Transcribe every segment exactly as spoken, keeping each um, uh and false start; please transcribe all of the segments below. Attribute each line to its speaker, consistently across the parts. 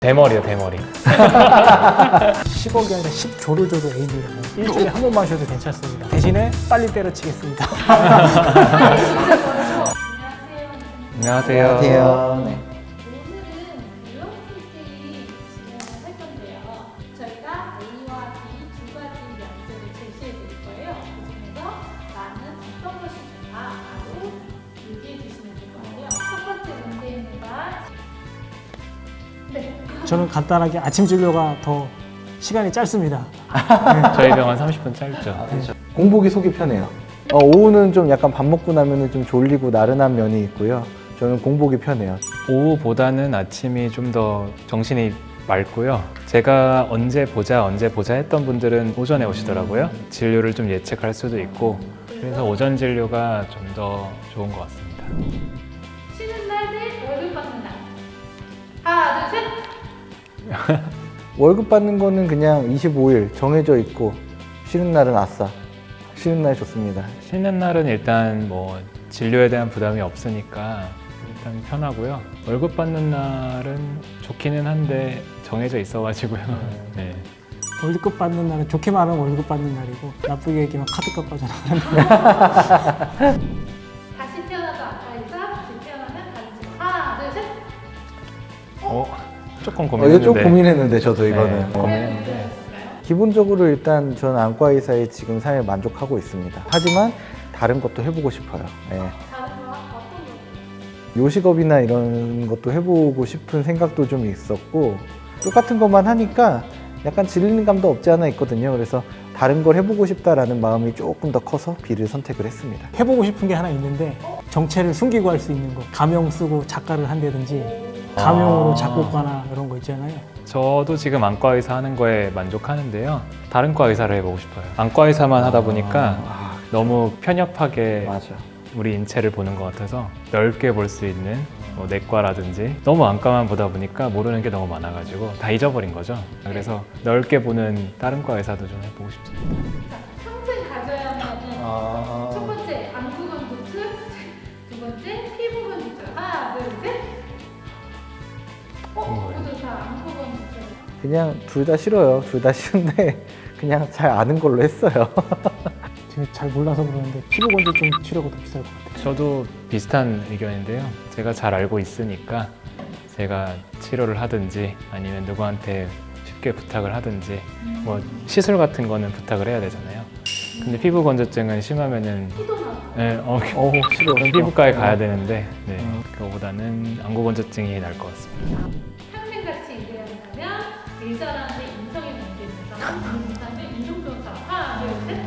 Speaker 1: 대머리요, 대머리.
Speaker 2: 십억이 아니라 십조를 줘도 A입니다. 일주일에 한 번만 쉬어도 괜찮습니다. 대신에 빨리 때려치겠습니다.
Speaker 1: 안녕하세요.
Speaker 3: 안녕하세요. 네.
Speaker 4: 오늘은 밸런스 게임 진행을 할 건데요. 저희가 A와 B 두 가지 명제를 제시해 드릴 거예요. 그중에서 나는 어떤 것이 좋다라고 얘기해 주시면 될 거예요. 첫 번째 문제입니다. 네.
Speaker 2: 저는 간단하게 아침 진료가 더 시간이 짧습니다.
Speaker 1: 저희 병원 삼십 분 짧죠.
Speaker 3: 그렇죠. 공복이 속이 편해요. 어, 오후는 좀 약간 밥 먹고 나면은 좀 졸리고 나른한 면이 있고요. 저는 공복이 편해요.
Speaker 1: 오후보다는 아침이 좀 더 정신이 맑고요. 제가 언제 보자, 언제 보자 했던 분들은 오전에 오시더라고요. 진료를 좀 예측할 수도 있고, 그래서 오전 진료가 좀 더 좋은 것 같습니다.
Speaker 4: 쉬는 날 대 월급 받는 날. 하나, 둘, 셋.
Speaker 3: 월급 받는 거는 그냥 이십오 일 정해져 있고 쉬는 날은 아싸. 쉬는 날 좋습니다.
Speaker 1: 쉬는 날은 일단 뭐 진료에 대한 부담이 없으니까 일단 편하고요. 월급 받는 날은 좋기는 한데 정해져 있어가지고요. 네.
Speaker 2: 월급 받는 날은 좋게 말하면 월급 받는 날이고 나쁘게 얘기하면 카드값 빠져나가는 날.
Speaker 4: 다시 태어나도 아까이사, 다시 태어나면 다른 집. 하나, 둘, 셋.
Speaker 1: 어, 조금
Speaker 3: 어, 이거
Speaker 1: 고민했는데.
Speaker 3: 좀 고민했는데 저도
Speaker 1: 네,
Speaker 3: 이거는. 어.
Speaker 1: 고민했는데.
Speaker 3: 기본적으로 일단 저는 안과 의사의 지금 삶에 만족하고 있습니다. 하지만 다른 것도 해보고 싶어요. 예.
Speaker 4: 다른 거 어떤 거?
Speaker 3: 요식업이나 이런 것도 해보고 싶은 생각도 좀 있었고 똑같은 것만 하니까 약간 질리는 감도 없지 않아 있거든요. 그래서 다른 걸 해보고 싶다라는 마음이 조금 더 커서 B를 선택을 했습니다.
Speaker 2: 해보고 싶은 게 하나 있는데 정체를 숨기고 할 수 있는 거. 가명 쓰고 작가를 한다든지 가명으로
Speaker 1: 아.
Speaker 2: 작곡가나 이런 거 있잖아요.
Speaker 1: 저도 지금 안과 의사 하는 거에 만족하는데요. 다른 과 의사를 해보고 싶어요. 안과 의사만 하다 보니까
Speaker 3: 아,
Speaker 1: 너무 편협하게
Speaker 3: 맞아.
Speaker 1: 우리 인체를 보는 것 같아서 넓게 볼 수 있는 뭐 내과라든지 너무 안과만 보다 보니까 모르는 게 너무 많아가지고 다 잊어버린 거죠. 그래서 넓게 보는 다른 과 의사도 좀 해보고 싶습니다.
Speaker 4: 자, 평생 가져야 하는
Speaker 3: 아.
Speaker 4: 첫 번째 안구 건조증, 두 번째 피부 건조증. 하나, 둘, 셋. 어, 모두 다 안구 건조증.
Speaker 3: 그냥 둘 다 싫어요. 둘 다 싫은데 그냥 잘 아는 걸로 했어요.
Speaker 2: 제가 잘 몰라서 그러는데 피부 건조증 치료가 더 비쌀 것 같아요.
Speaker 1: 저도 비슷한 의견인데요. 제가 잘 알고 있으니까 제가 치료를 하든지 아니면 누구한테 쉽게 부탁을 하든지 뭐 시술 같은 거는 부탁을 해야 되잖아요. 근데 피부 건조증은 심하면은
Speaker 4: 피도 나고.
Speaker 1: 네, 어,
Speaker 3: 어, 싫어.
Speaker 1: 그럼 피부과에 가야 되는데 네,
Speaker 3: 음.
Speaker 1: 그거보다는 안구 건조증이 나을 것 같습니다.
Speaker 4: 평생 같이 일해야 한다면 일자라는데 인성이 문제돼서 인상은 이중조사. 하나, 둘, 셋.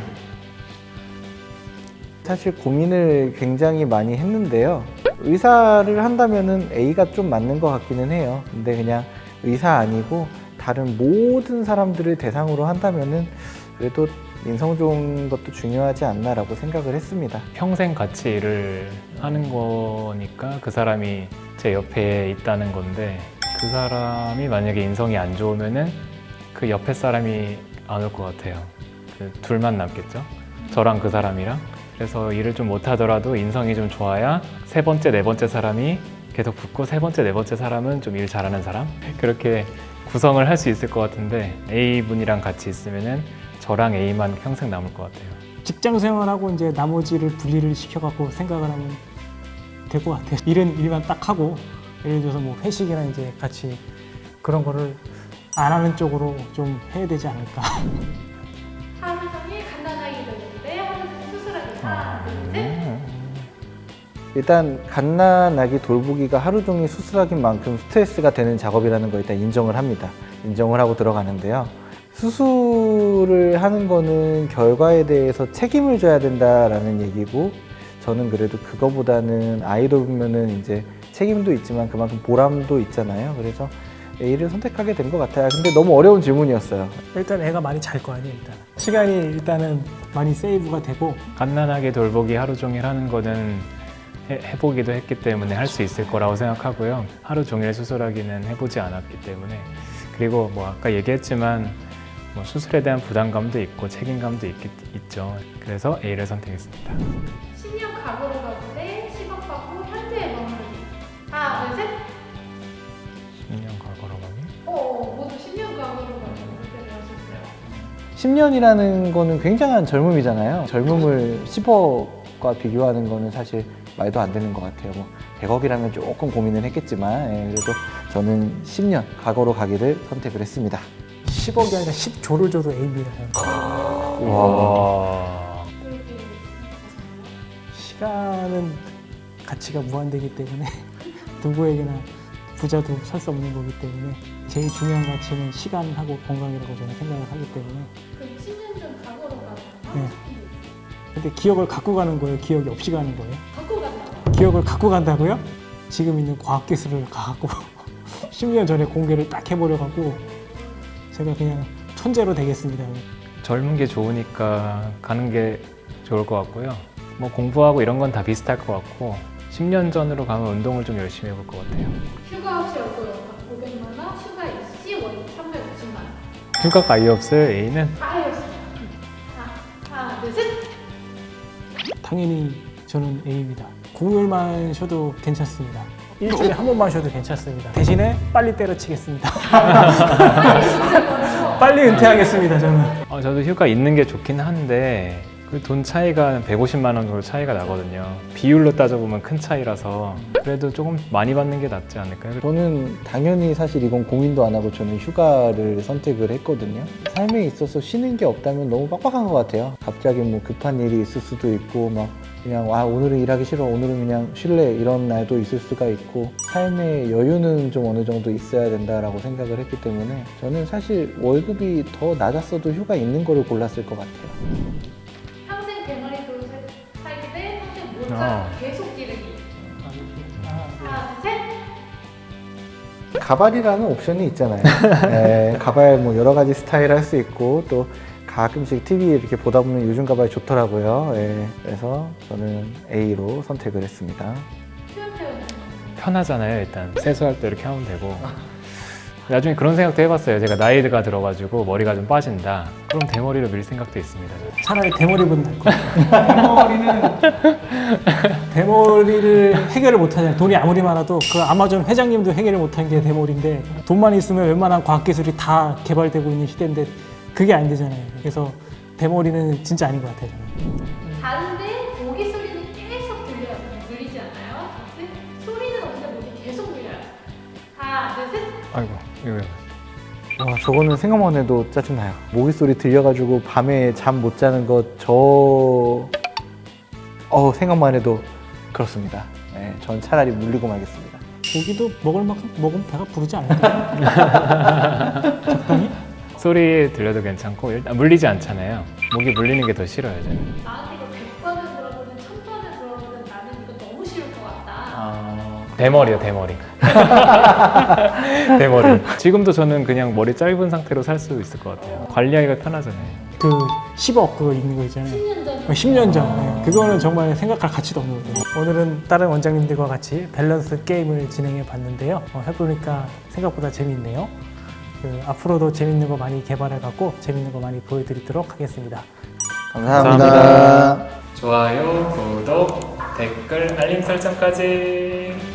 Speaker 3: 사실 고민을 굉장히 많이 했는데요. 의사를 한다면은 A가 좀 맞는 것 같기는 해요. 근데 그냥 의사 아니고 다른 모든 사람들을 대상으로 한다면은 그래도 인성 좋은 것도 중요하지 않나라고 생각을 했습니다.
Speaker 1: 평생 같이 일을 하는 거니까 그 사람이 제 옆에 있다는 건데 그 사람이 만약에 인성이 안 좋으면은 그 옆에 사람이 안 올 것 같아요. 그 둘만 남겠죠. 저랑 그 사람이랑. 그래서 일을 좀 못하더라도 인성이 좀 좋아야 세 번째, 네 번째 사람이 계속 붙고 세 번째, 네 번째 사람은 좀 일 잘하는 사람? 그렇게 구성을 할 수 있을 것 같은데 A분이랑 같이 있으면은 저랑 A만 평생 남을 것 같아요.
Speaker 2: 직장 생활하고 이제 나머지를 분리를 시켜갖고 생각을 하면 될 것 같아요. 일은 일만 딱 하고 예를 들어서 뭐 회식이나 이제 같이 그런 거를 안 하는 쪽으로 좀 해야 되지 않을까.
Speaker 4: 하루 종일 간단하게 돌리는데 하루 종일 수술하기. 하나, 둘, 셋.
Speaker 3: 일단 갓난아기 돌보기가 하루 종일 수술하긴 만큼 스트레스가 되는 작업이라는 걸 일단 인정을 합니다. 인정을 하고 들어가는데요. 수술을 하는 거는 결과에 대해서 책임을 져야 된다라는 얘기고 저는 그래도 그거보다는 아이 돌보면은 이제 책임도 있지만 그만큼 보람도 있잖아요. 그래서 A를 선택하게 된 것 같아요. 근데 너무 어려운 질문이었어요.
Speaker 2: 일단 애가 많이 잘 거 아니에요. 일단 시간이 일단은 많이 세이브가 되고
Speaker 1: 갓난아기 돌보기 하루 종일 하는 거는 해, 해보기도 했기 때문에 할 수 있을 거라고 생각하고요. 하루 종일 수술하기는 해보지 않았기 때문에 그리고 뭐 아까 얘기했지만 뭐 수술에 대한 부담감도 있고 책임감도 있, 있죠. 그래서 A를 선택했습니다.
Speaker 4: 십 년 과거로 가고 대 십억 받고 현재에 머무르기. 하나, 둘, 셋.
Speaker 1: 십 년 과거로 가기?
Speaker 4: 어,
Speaker 3: 십 년이라는 거는 굉장한 젊음이잖아요. 젊음을 십억과 비교하는 거는 사실 말도 안 되는 것 같아요. 뭐 백억이라면 조금 고민을 했겠지만 예, 그래도 저는 십 년 과거로 가기를 선택을 했습니다.
Speaker 2: 십억이 아니라 십조를 줘도 A입니다.
Speaker 1: 와.
Speaker 4: 그렇게 생각하시나요?
Speaker 2: 시간은 가치가 무한되기 때문에 누구에게나 부자도 살 수 없는 거기 때문에 제일 중요한 가치는 시간하고 건강이라고 저는 생각을 하기 때문에.
Speaker 4: 그럼 십 년 전 과거로 가면
Speaker 2: 네.
Speaker 4: 하고 싶은 게 있어요?
Speaker 2: 근데 기억을 갖고 가는 거예요? 기억이 없이 가는 거예요?
Speaker 4: 갖고 간다고.
Speaker 2: 기억을 갖고 간다고요? 지금 있는 과학기술을 갖고 십 년 전에 공개를 딱 해버려갖고 제가 그냥 천재로 되겠습니다.
Speaker 1: 젊은 게 좋으니까 가는 게 좋을 것 같고요. 뭐 공부하고 이런 건 다 비슷할 것 같고 십 년 전으로 가면 운동을 좀 열심히 해볼 것 같아요.
Speaker 4: 휴가 없이 올 거예요. 오백만 원, 휴가 있이 월급 삼백오십만 원.
Speaker 1: 휴가가 아예 없어요, A는?
Speaker 4: 다 해줬어요. 자, 하나, 둘, 셋.
Speaker 2: 당연히 저는 A입니다. 공휴일만 쉬어도 괜찮습니다. 일주일에 한 번만 쉬어도 괜찮습니다. 대신에 빨리 때려치겠습니다. 빨리 은퇴하겠습니다, 저는.
Speaker 1: 어, 저도 휴가 있는 게 좋긴 한데 그 돈 차이가 백오십만 원 정도 차이가 나거든요. 비율로 따져보면 큰 차이라서 그래도 조금 많이 받는 게 낫지 않을까요?
Speaker 3: 저는 당연히 사실 이건 고민도 안 하고 저는 휴가를 선택을 했거든요. 삶에 있어서 쉬는 게 없다면 너무 빡빡한 것 같아요. 갑자기 뭐 급한 일이 있을 수도 있고 막 그냥 와 오늘은 일하기 싫어 오늘은 그냥 쉴래 이런 날도 있을 수가 있고 삶의 여유는 좀 어느 정도 있어야 된다라고 생각을 했기 때문에 저는 사실 월급이 더 낮았어도 휴가 있는 거를 골랐을 것 같아요.
Speaker 4: 평생 대머리로 살- 살기 대 평생 모자
Speaker 1: 아.
Speaker 4: 계속 기르기. 하나, 둘, 셋.
Speaker 3: 가발이라는 옵션이 있잖아요. 네, 가발 뭐 여러 가지 스타일 할 수 있고 또 가끔씩 티비 이렇게 보다 보면 요즘 가발 좋더라고요. 예, 그래서 저는 A로 선택을 했습니다.
Speaker 4: 표현 표현.
Speaker 1: 편하잖아요. 일단 세수할 때 이렇게 하면 되고 나중에 그런 생각도 해봤어요. 제가 나이가 들어가지고 머리가 좀 빠진다. 그럼 대머리로 밀 생각도 있습니다. 저는.
Speaker 2: 차라리 대머리보다 나을 것 같아요. 대머리는 대머리를 해결을 못하잖아요. 돈이 아무리 많아도 그 아마존 회장님도 해결을 못한 게 대머리인데 돈만 있으면 웬만한 과학기술이 다 개발되고 있는 시대인데 그게 안 되잖아요. 그래서 대머리는 진짜 아닌 것 같아요. 저는.
Speaker 4: 다른데 모기 소리는 계속 들려요. 들리지 않아요? 근데 소리는 없는데 모기 계속 들려요. 하나, 둘, 셋.
Speaker 1: 아이고 이거
Speaker 3: 와, 저거는 생각만 해도 짜증나요. 모기 소리 들려가지고 밤에 잠 못 자는 것 저... 어 생각만 해도 그렇습니다. 네, 전 차라리 물리고 말겠습니다.
Speaker 2: 고기도 먹을 만큼 먹으면 배가 부르지 않을까요? 적당히?
Speaker 1: 소리 들려도 괜찮고 일단 물리지 않잖아요. 목이 물리는 게 더 싫어요. 저는.
Speaker 4: 나한테 이거 백 번을 물어보든 천 번을 물어보든 나는 이거 너무 싫을 것 같다.
Speaker 1: 아... 대머리요 대머리. 대머리. 지금도 저는 그냥 머리 짧은 상태로 살 수 있을 것 같아요. 관리하기가 편하잖아요.
Speaker 2: 그 십억 그거 있는 거 있잖아요.
Speaker 4: 십 년 전.
Speaker 2: 십 년 전. 네. 그거는 정말 생각할 가치도 없는 거죠. 오늘은 다른 원장님들과 같이 밸런스 게임을 진행해 봤는데요. 어, 해보니까 생각보다 재밌네요. 그, 앞으로도 재밌는 거 많이 개발해 갖고 재밌는 거 많이 보여드리도록 하겠습니다.
Speaker 3: 감사합니다.
Speaker 1: 감사합니다. 좋아요, 구독, 댓글, 알림 설정까지.